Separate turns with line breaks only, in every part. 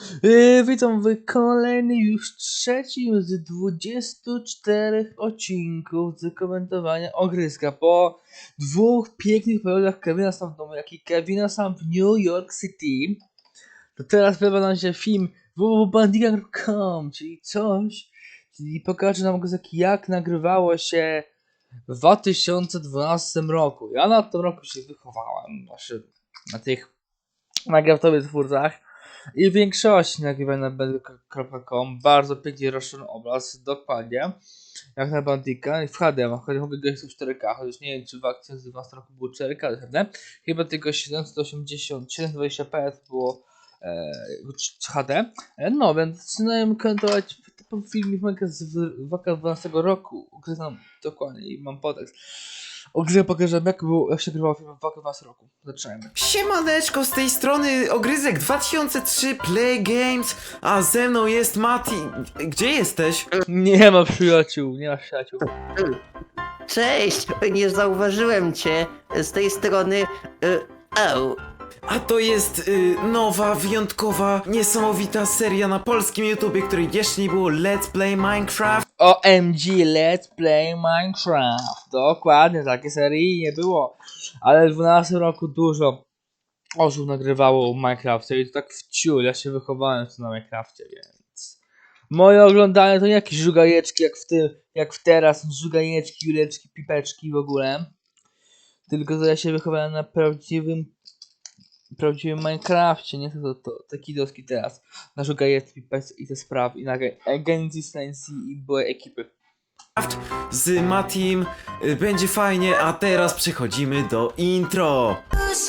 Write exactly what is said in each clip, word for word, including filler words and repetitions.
Yy, witam w kolejnym już trzecim z dwudziestu czterech odcinków z komentowania ogryzka. Po dwóch pięknych periodach Kevina Sam w domu, jak i Kevina Sam w New York City, to teraz pojawia nam się film w w w bandiga kropka com, czyli coś, czyli pokaże nam ogryzek, jak nagrywało się w dwa tysiące dwunastym roku. Ja na tym roku się wychowałem, znaczy na tych nagrywkowych twórcach. I w większości nagrywań na bandiga kropka com bardzo pięknie rozszerzony obraz, dokładnie jak na Bandika w H D, choć mogę grać w cztery K, chociaż nie wiem czy w dwa tysiące dwunastym roku było cztery K, ale chyba tylko siedemset osiemdziesiąt, siedemset dwadzieścia p było e, H D. No więc zaczynałem komentować film z dwa tysiące dwunastego roku, ugryzam dokładnie i mam podtekst. O grze pokażę jak, było, jak się grywało film w dwa tysiące dwunastym roku. Zaczynajmy.
Siemaneczko, z tej strony Ogryzek dwa tysiące trzy Play Games, a ze mną jest Mati. Gdzie jesteś?
Nie ma przyjaciół, nie ma przyjaciół.
Cześć! Nie zauważyłem cię z tej strony. Y, au.
A to jest y, nowa, wyjątkowa, niesamowita seria na polskim YouTubie, której jeszcze nie było, Let's Play Minecraft.
O M G Let's Play Minecraft. Dokładnie, takiej serii nie było. Ale w dwunastym roku dużo osób nagrywało Minecrafcie i to tak w ciul. Ja się wychowałem tu na Minecrafcie, więc moje oglądanie to nie jakieś żugajeczki jak w tym, jak w teraz, żugajeczki, juleczki, pipeczki w ogóle. Tylko to ja się wychowałem na prawdziwym prawdziwym Minecrafcie, nie to, to, to taki doski teraz. Na żugajeczki, pipeczki i te sprawy. I na agencji Stancy i były ekipy.
Z Matim y, będzie fajnie, a teraz przechodzimy do intro.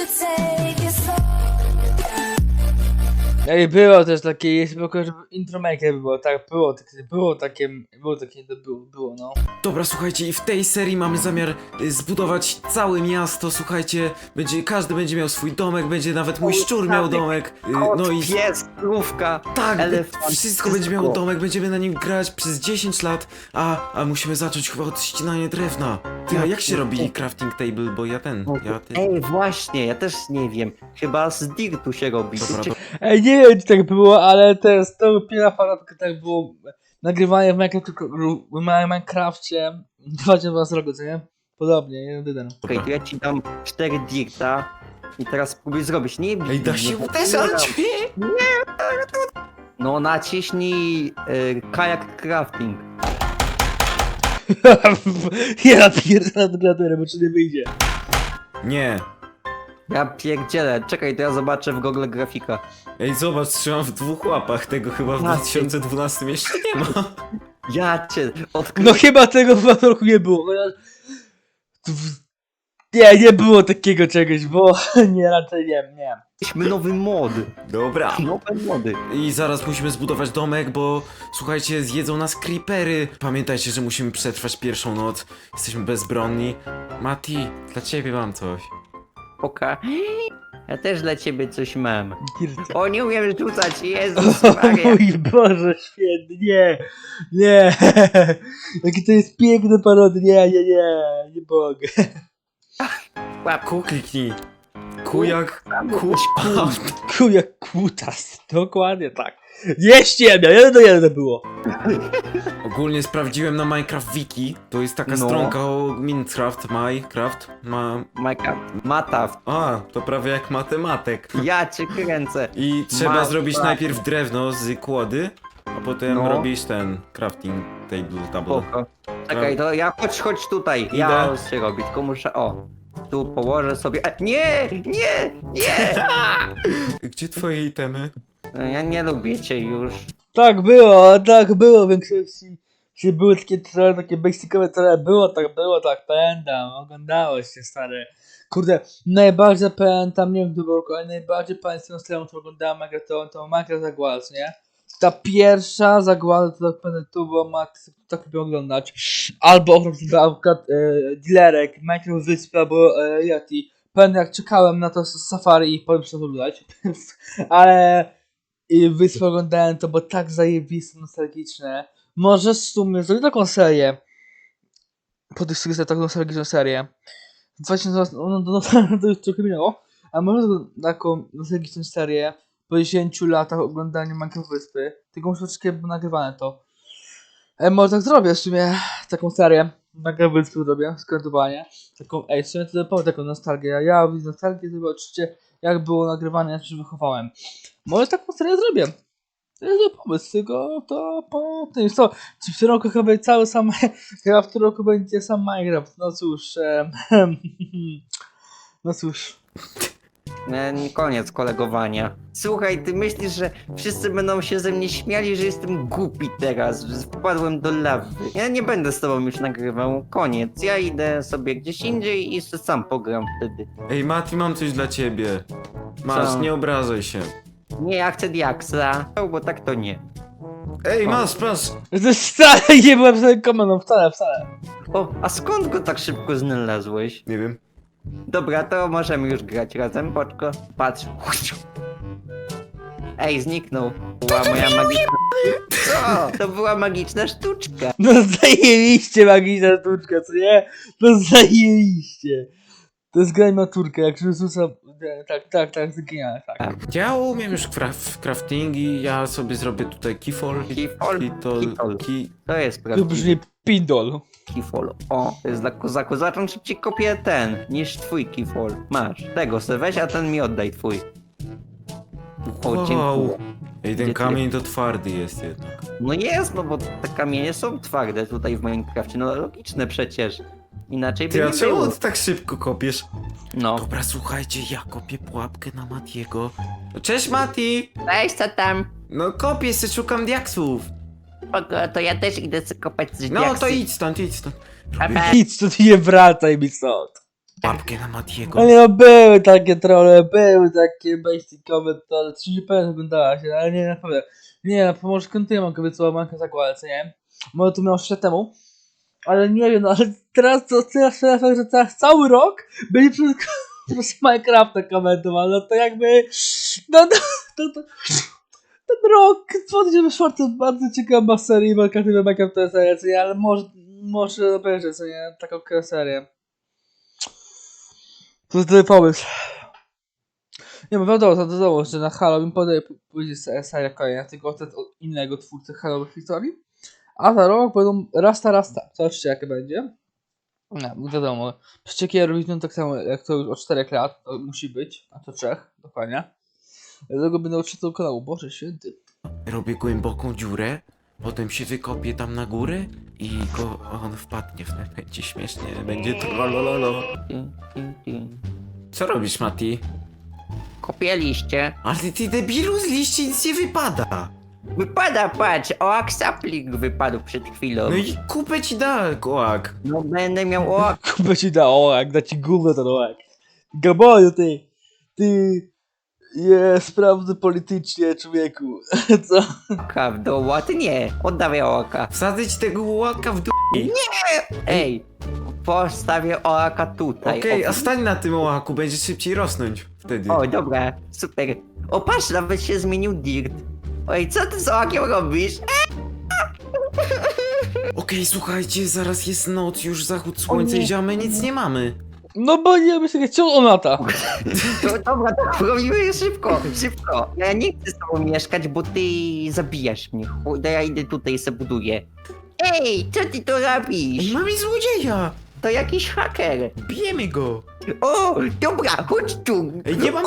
Ej, było też takie, jest tylko, żeby intro maker było, tak, było, takie, było takie, było takie, to było, było, no.
Dobra, słuchajcie, i w tej serii mamy zamiar y, zbudować całe miasto, słuchajcie, będzie, każdy będzie miał swój domek, będzie nawet mój szczur miał domek, y, no i...
Pies, krówka,
Tak,
elefant,
wszystko będzie miało domek, będziemy na nim grać przez dziesięć lat, a, a musimy zacząć chyba od ścinania drewna. Ty, a jak się robi crafting table, bo ja ten, ja ty...
Ej, właśnie, ja też nie wiem. Chyba z dirtu się robi.
Dobra,
Czy-
Ej, nie wiem, czy tak było, ale to jest, to pierwsza fanatka, tak było, nagrywanie w Minecraft, w Minecrafcie, dwa tysiące dwunastym roku, co nie? Podobnie, jeden do jeden.
Okej, to ja ci dam cztery dirta i teraz spróbuj zrobić. Nie bij
Ej, da
mnie,
się
bo-
uderzać!
No naciśnij y, kajak crafting.
Ja pierdolę do klawiatury, bo czy nie wyjdzie.
Nie.
Ja pierdzielę, czekaj, to ja zobaczę w Google grafika.
Ej, zobacz, trzymam w dwóch łapach, tego chyba w
Na
dwa tysiące dwunastym jeszcze nie ma.
Ja cię
No
odkryłem.
chyba tego w tym roku nie było, chociaż... Nie, nie było takiego czegoś, bo nie, raczej nie, nie.
Mieliśmy nowy mod.
Dobra.
Nowe mody.
I zaraz musimy zbudować domek, bo słuchajcie, zjedzą nas creepery. Pamiętajcie, że musimy przetrwać pierwszą noc. Jesteśmy bezbronni. Mati, dla ciebie mam coś.
Poka. Ja też dla ciebie coś mam.
Kircia.
O, nie umiem rzucać, Jezus
O
Maria.
mój Boże święty, nie, nie. Jaki to jest piękny parody, nie, nie, nie, nie mogę.
Ku kliknij. Ku jak... Ku...
Ku jak kutas, dokładnie tak. Nie ściemnia, jeden do jeden było.
Ogólnie sprawdziłem na Minecraft Wiki. To jest taka
No.
stronka o Minecraft, Minecraft, ma...
Majka, mata,
A, to prawie jak matematyk.
ja cię kręcę.
I trzeba
Ma-
zrobić
ma-
najpierw drewno z kłody, a potem
No.
robisz ten crafting table. table.
Spoko. Czekaj, to ja chodź, chodź tutaj.
Idę.
Ja się robi, tylko muszę, o. Tu położę sobie, e, nie, nie, nie.
Gdzie twoje itemy?
No, ja nie lubię cię już.
Tak było, tak było w większości. Czy były takie trochę, takie basicowe trochę, było tak, było tak, pamiętam, oglądało się stary. Kurde, najbardziej pamiętam, nie wiem kto był, ale najbardziej pamiętam stronę, którą oglądałem Minecraft, to, to Minecraft Zagłada, nie? Ta pierwsza zagłada, to tak pamiętam, tu było, Max, tak lubię oglądać. Albo na przykład e, Dilerek, Minecraft Wyspy, albo e, Yeti. Pamiętam jak czekałem na to z Safari i powiem, co to oglądać. Ale i wyspę oglądałem to, bo tak zajebiste, nostalgiczne. Może w sumie zrobię taką serię. Po tych wszystkich taką nostalgiczną serię. dwa tysiące, no, no, no, to już trochę minęło. A może taką nostalgiczną serię po dziesięciu latach oglądania Minecraft Wyspy, tylko muszę troszeczkę było nagrywane to. E, może tak zrobię w sumie taką serię Minecraft Wyspy zrobię, skrętowanie. Taką, ej, w sumie to powiem taką nostalgię. Ja, ja widzę nostalgię, to oczywiście jak było nagrywane, jak się wychowałem. Może taką serię zrobię. To jest dobry pomysł, tylko to po tym co, czy w tym roku chyba będzie cały sam, chyba w tym roku będzie sam Minecraft, no cóż, em, no cóż.
E, Koniec kolegowania. Słuchaj, ty myślisz, że wszyscy będą się ze mnie śmiali, że jestem głupi teraz, że wpadłem do lawy. Ja nie będę z tobą już nagrywał. Koniec. Ja idę sobie gdzieś indziej i jeszcze sam pogram wtedy.
Ej, Mati, mam coś dla ciebie. Masz,
Co?
nie obrażaj się.
Nie, ja chcę diaksa, bo tak to nie.
Ej, masz, masz.
To wcale nie byłem sobie komendą, wcale, wcale.
O, a skąd go tak szybko znalazłeś?
Nie wiem.
Dobra, to możemy już grać razem, poczko. Patrz. Ej, zniknął. Była moja magiczna... Co? To była magiczna sztuczka.
No zajebiście magiczna sztuczka, co nie? No zajebiście. To jest gra maturka, jak Jezusa, tak, tak, tak, zginęła, tak.
Ja umiem już cra w craftingi, ja sobie zrobię tutaj keyfall.
Keyfall?
Kitol,
Keyfall.
ki...
To jest
To
prawdziwy
brzmi pindol.
keyfall. O, to jest dla kozaku. Zacząć szybciej kopię ten, niż twój keyfall. Masz. Tego se weź, a ten mi oddaj twój. O,
Wow.
dziękuję.
Ej,
Gdzie
ten
ty-
kamień to twardy jest jednak.
No jest, no bo te kamienie są twarde tutaj w Minecrafcie, no logiczne przecież. Inaczej by
Ty, a
nie
czemu
było.
ty tak szybko kopiesz?
No.
Dobra, słuchajcie, ja kopię pułapkę na Matiego. Cześć, Mati!
Weź co tam?
No kopię se, szukam diaksów.
Spoko, to ja też idę sobie kopać z
No to idź stąd, idź stąd.
Pa,
Robię
pa.
Nic, to ty nie wracaj mi stąd.
pułapkę na Matiego.
Ale no były takie trolle, były takie basicowe trolle, czy nie pewnie oglądała się, ale nie, naprawdę. Nie, no może kontynuuję kobiecą mankę zakładać, co nie? Może to miało trzy lat temu. Ale nie wiem, no ale teraz to teraz, teraz, że teraz cały rok byli przez, przez Minecrafta komentowali, no to jakby, no to, to, to, ten rok dwa tysiące czwarty to bardzo ciekawa seria, Minecraft Minecraft to jest seria, co nie, ale może, może obejrzeć, co nie, taką serię. To jest dobry pomysł. Nie, bo wiadomo, to wiadomo, że na Halloween podaje pójdzie seria kolejna, tylko od od innego twórcy Halloween historii. A za rok będą Rasta Rasta. Zobaczcie jakie będzie. No, wiadomo. Przecież robić no tak samo jak to już od czterech lat, to musi być, a to trzech, dokładnie. Dlatego będę odczytał kanału, Boże Święty.
Robię głęboką dziurę, potem się wykopię tam na górę i go on wpadnie w te. Będzie śmiesznie, będzie trollololo. Co robisz, Mati?
Kopię liście.
Ale ty, ty debilu, z liści nic nie wypada.
Wypada, patrz, oak sapling wypadł przed chwilą.
No i kupę ci da, kołak.
No będę miał oak.
Kupę ci da ołak, da ci gówno ten ołak. Gaboju ty, ty, je, sprawdzę politycznie człowieku, co?
w domu, a ty nie. Oddawaj oaka.
Wsadzę ci tego łaka w dół.
Ej, postawię oaka tutaj.
Okej,
O,
a stań na tym ołaku, będzie szybciej rosnąć wtedy.
O, dobra, super. O, patrz, nawet się zmienił dirt. Oj, co ty z oakiem robisz?
Okej, słuchajcie, zaraz jest noc, już zachód słońca
nie.
i ziomy, nic nie mamy.
No bo nie myślę, ciągle on lata.
No, dobra, to robimy szybko, szybko. Ja nie chcę z tobą mieszkać, bo ty zabijasz mnie. Chuj, ja idę tutaj i se buduję. Ej, co ty to
Ej,
robisz?
mamy złodzieja!
To jakiś haker.
Bijemy go!
O, dobra, chodź tu.
Ej, nie mam...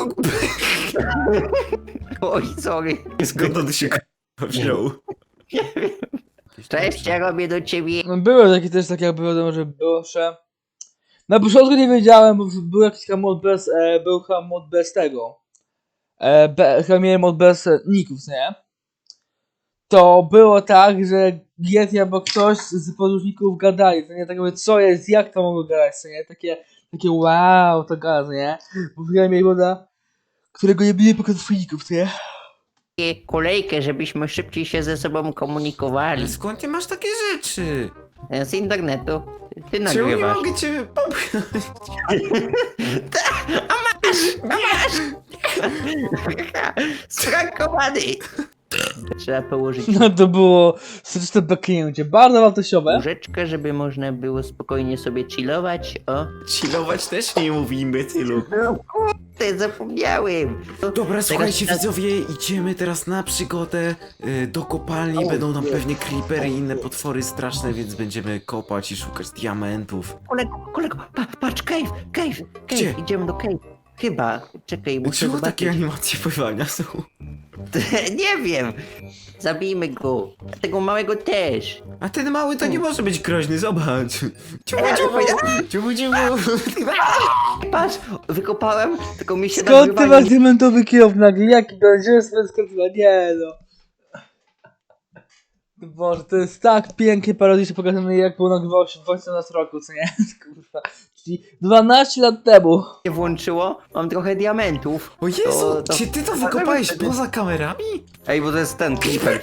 Oj, sorry.
Skąd on się wziął?
Cześć, ja robię do ciebie.
No były takie też takie jakby wiadomo, że było, że... Na początku nie wiedziałem, bo był jakiś tam mod bez, e, był chyba mod bez tego. E, be, chyba miałem mod bez e, ników, nie? To było tak, że Yeti albo ktoś z podróżników gadali, to nie tak jakby co jest, jak to mogło gadać, co nie? Takie, takie wow, to gada, co nie? Bo ja miałem moda, którego nie byli pokazowników, co nie?
Kolejkę, żebyśmy szybciej się ze sobą komunikowali.
Ale skąd ty masz takie rzeczy?
Z internetu. Ty
Czemu nie
nagrywasz.
mogę cię popchnąć?
Sprankowany! Trzeba położyć
No to było serdeczne beknięcie, bardzo wartościowe.
łóżeczkę, żeby można było spokojnie sobie chillować. O.
Chillować też nie mówimy tylu.
No kurde, zapomniałem.
Dobra, słuchajcie
teraz-
widzowie, idziemy teraz na przygodę y, do kopalni, będą tam pewnie creepery i inne potwory straszne, więc będziemy kopać i szukać diamentów.
Kolego, kolego, pa, patrz, cave, cave, cave.
Gdzie?
Idziemy do cave. Chyba, czekaj, muszę
Czemu
zobaczyć.
takie animacje pływania są?
Nie wiem. Zabijmy go. Tego małego też.
A ten mały to nie może być groźny, zobacz. Ciubu,
Ja
ciubu,
powiedziałem-
ciubu, ciubu.
Patrz, wykopałem, tylko mi się
Skąd ty
nagrywanie
masz diamentowy kieł nagle? Jaki będzie swoje skąd? Nie no. Boże, to jest tak pięknie parodicznie pokazane, jak było nagrywało się w osiemnastym roku, co nie? Kurwa. Czyli dwanaście lat temu.
nie włączyło. Mam trochę diamentów.
O Jezu,
To- to-
czy ty to wykopałeś poza kamerami?
Ej, bo to jest ten creeper.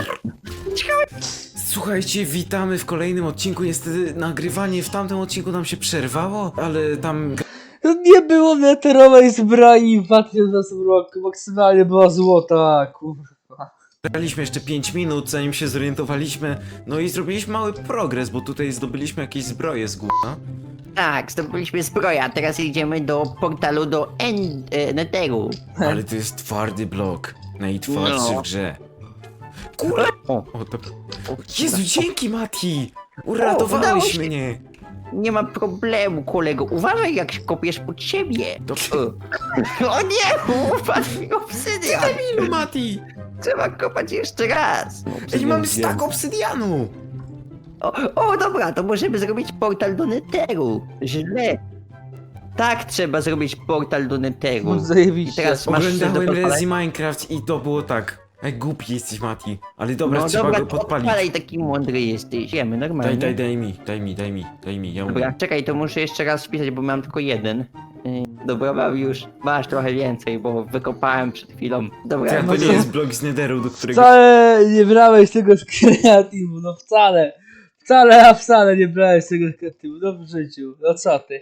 Słuchajcie, witamy w kolejnym odcinku. Niestety nagrywanie w tamtym odcinku nam się przerwało, ale tam
To nie było meteorowej zbroi w dwa tysiące dwunastym roku, maksymalnie była złota, kurwa.
graliśmy jeszcze pięć minut, zanim się zorientowaliśmy. No i zrobiliśmy mały progres, bo tutaj zdobyliśmy jakieś zbroje z gówna.
Tak, zdobyliśmy zbroję, a teraz idziemy do portalu do en e, Netheru.
Ale to jest twardy blok. Najtwardszy
No.
w grze. Kurde!
O,
O, to...
o,
Jezu, dzięki Mati!
udało
Uratowałeś
się.
mnie!
nie ma problemu, kolego. Uważaj, jak się kopiesz pod siebie.
Dobrze.
O, o nie, upadł mi obsydian.
Ilu Mati?
Trzeba kopać jeszcze raz.
Ej, mamy stak obsydianu!
O, o, dobra, to możemy zrobić portal do Netheru. Źle. Tak, trzeba zrobić portal do Netheru.
No
I
zajebiście.
teraz masz coś do
Oglądałem
podpalenia?
Rezi Minecraft i to było tak. Ej, głupi jesteś Mati. Ale dobra,
No
trzeba
dobra,
go
to
podpalić.
odpalaj, taki mądry jesteś. Wiemy, normalnie.
Daj, daj, daj mi, daj mi, daj mi, daj mi, ja
Dobra,
umiem.
czekaj, to muszę jeszcze raz wpisać, bo mam tylko jeden. Yy, Dobra, mam już. Masz trochę więcej, bo wykopałem przed chwilą. Dobra,
To,
no
to nie
co?
jest blok z Netheru, do którego...
Wcale nie brałeś tego z kreatywu, no wcale. Wcale, a wcale nie brałeś tego z kreatywu, no w życiu. No co ty?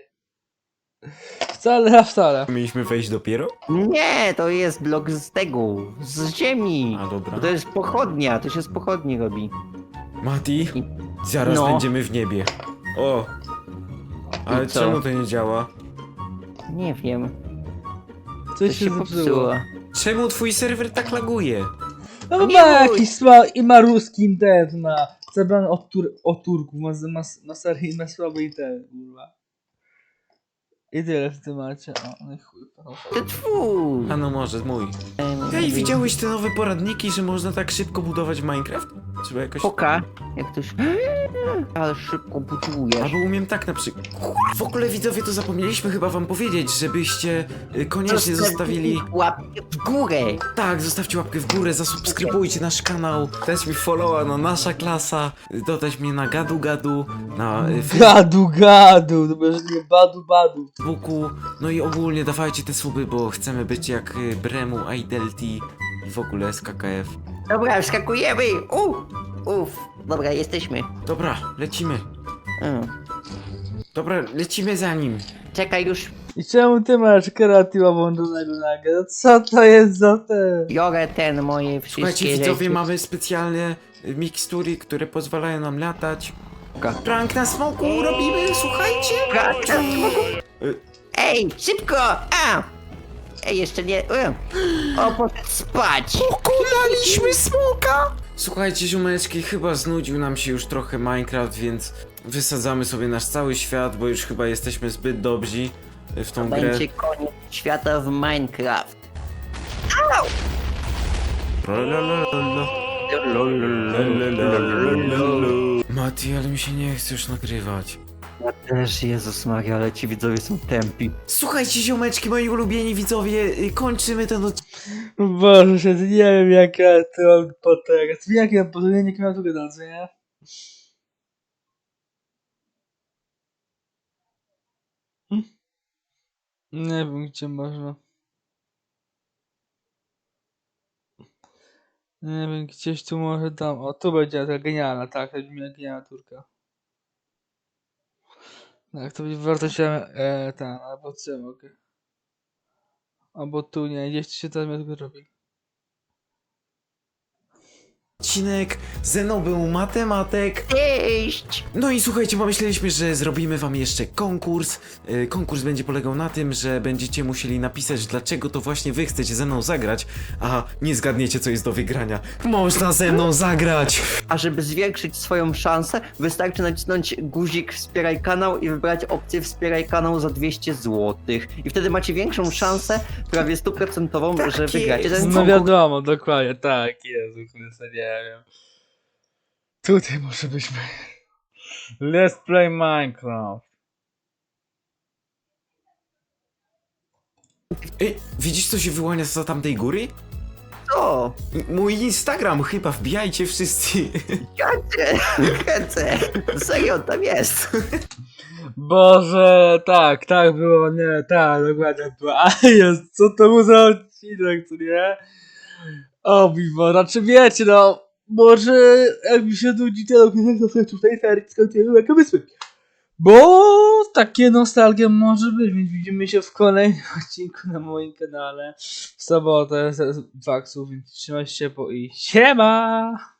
Wcale, a wcale.
Mieliśmy wejść dopiero?
Nie, to jest blok z tego, z ziemi.
A dobra.
Bo to jest pochodnia, to się z pochodni robi.
Mati, zaraz
No.
będziemy w niebie. O! Ale
I co?
czemu to nie działa?
Nie wiem,
Coś
to
się
się
zepsuło.
popsuło.
Czemu twój serwer tak laguje?
No
Nie
ma
bój.
jakiś sła i ma ruski internet na zabrany od, tur od Turków, ma, ma, ma serii ma słaby internet, kurwa. I tyle w temacie. O, no i chuj. no.
To twój.
A no może, mój. Ej, widziałeś te nowe poradniki, że można tak szybko budować Minecraft? Trzeba jakoś...
Poka, jak to się... Ale szybko budujesz.
Albo umiem tak na przykład. W ogóle widzowie, to zapomnieliśmy chyba wam powiedzieć, żebyście y, koniecznie zostawili.
Łapkę w górę.
Tak, zostawcie łapkę w górę, zasubskrybujcie nasz kanał, dać mi followa na nasza klasa, y, dodać mnie na gadu gadu, na y,
Gadu, gadu, to będzie nie badu, badu.
Facebooku, no i ogólnie dawajcie te suby, bo chcemy być jak y, Bremu, Idelti i w ogóle S K K F.
Dobra, wskakujemy. Uff, uff. Dobra, jesteśmy.
Dobra, lecimy.
Mm.
Dobra, lecimy za nim.
Czekaj już.
I czemu ty masz kreatywa włączonego nagle? No co to jest za te?
Biorę ten, moje wszystkie
Słuchajcie widzowie,
rzeczy.
mamy specjalne y, mikstury, które pozwalają nam latać.
Dobra.
Prank na smoku robimy, słuchajcie.
Dobra,
Y,
Ej, szybko! A! Ej, jeszcze nie... e. O, poszedł spać!
Pokonaliśmy smoka! Słuchajcie ziomeczki, chyba znudził nam się już trochę Minecraft, więc wysadzamy sobie nasz cały świat, bo już chyba jesteśmy zbyt dobrzy w tą grę.
Będzie koniec świata w Minecraft.
Mati, ale mi się nie chce już nagrywać.
Ja też, Jezus Maria, ale ci widzowie są tępi.
Słuchajcie ziomeczki, moi ulubieni widzowie, y, kończymy ten odcinek.
Boże, się, nie wiem jaka to potera. Jakie mam potera, nie miałem tu gadać, co nie? Hm? Nie wiem gdzie można. Nie wiem, gdzieś tu może tam. O, tu będzie ta genialna, tak, to będzie genialna turka. Tak, to będzie wartościowe, e, ten, albo co mogę. Albo tu nie, gdzieś tu się tam tylko robi.
odcinek. Ze mną był Matematek.
Cześć!
No i słuchajcie, pomyśleliśmy, że zrobimy wam jeszcze konkurs. Yy, konkurs będzie polegał na tym, że będziecie musieli napisać, dlaczego to właśnie wy chcecie ze mną zagrać, a nie zgadniecie, co jest do wygrania. Można ze mną zagrać!
A żeby zwiększyć swoją szansę, wystarczy nacisnąć guzik wspieraj kanał i wybrać opcję wspieraj kanał za dwieście złotych. I wtedy macie większą szansę, prawie stuprocentową,
Tak
że wygracie
jest.
ten
No
konkurs.
wiadomo, dokładnie, tak, Jezu Chryste, nie wiem. Tutaj może byśmy... Let's play Minecraft.
Ej, widzisz, co się wyłania za tamtej góry?
Co?
M- Mój Instagram, chyba wbijajcie wszyscy.
Jacie! Kręcę! Serio, tam jest!
Boże, tak, tak było, nie, tak, dokładnie było. A jest, co to był za odcinek, co nie? O mi Boże, znaczy wiecie, no, może jak mi się nudzi ten odcinek, to sobie tutaj serii skończymy jakie wysły. Bo takie nostalgie może być, więc widzimy się w kolejnym odcinku na moim kanale w sobotę z Waxu, więc trzymajcie się po i siema!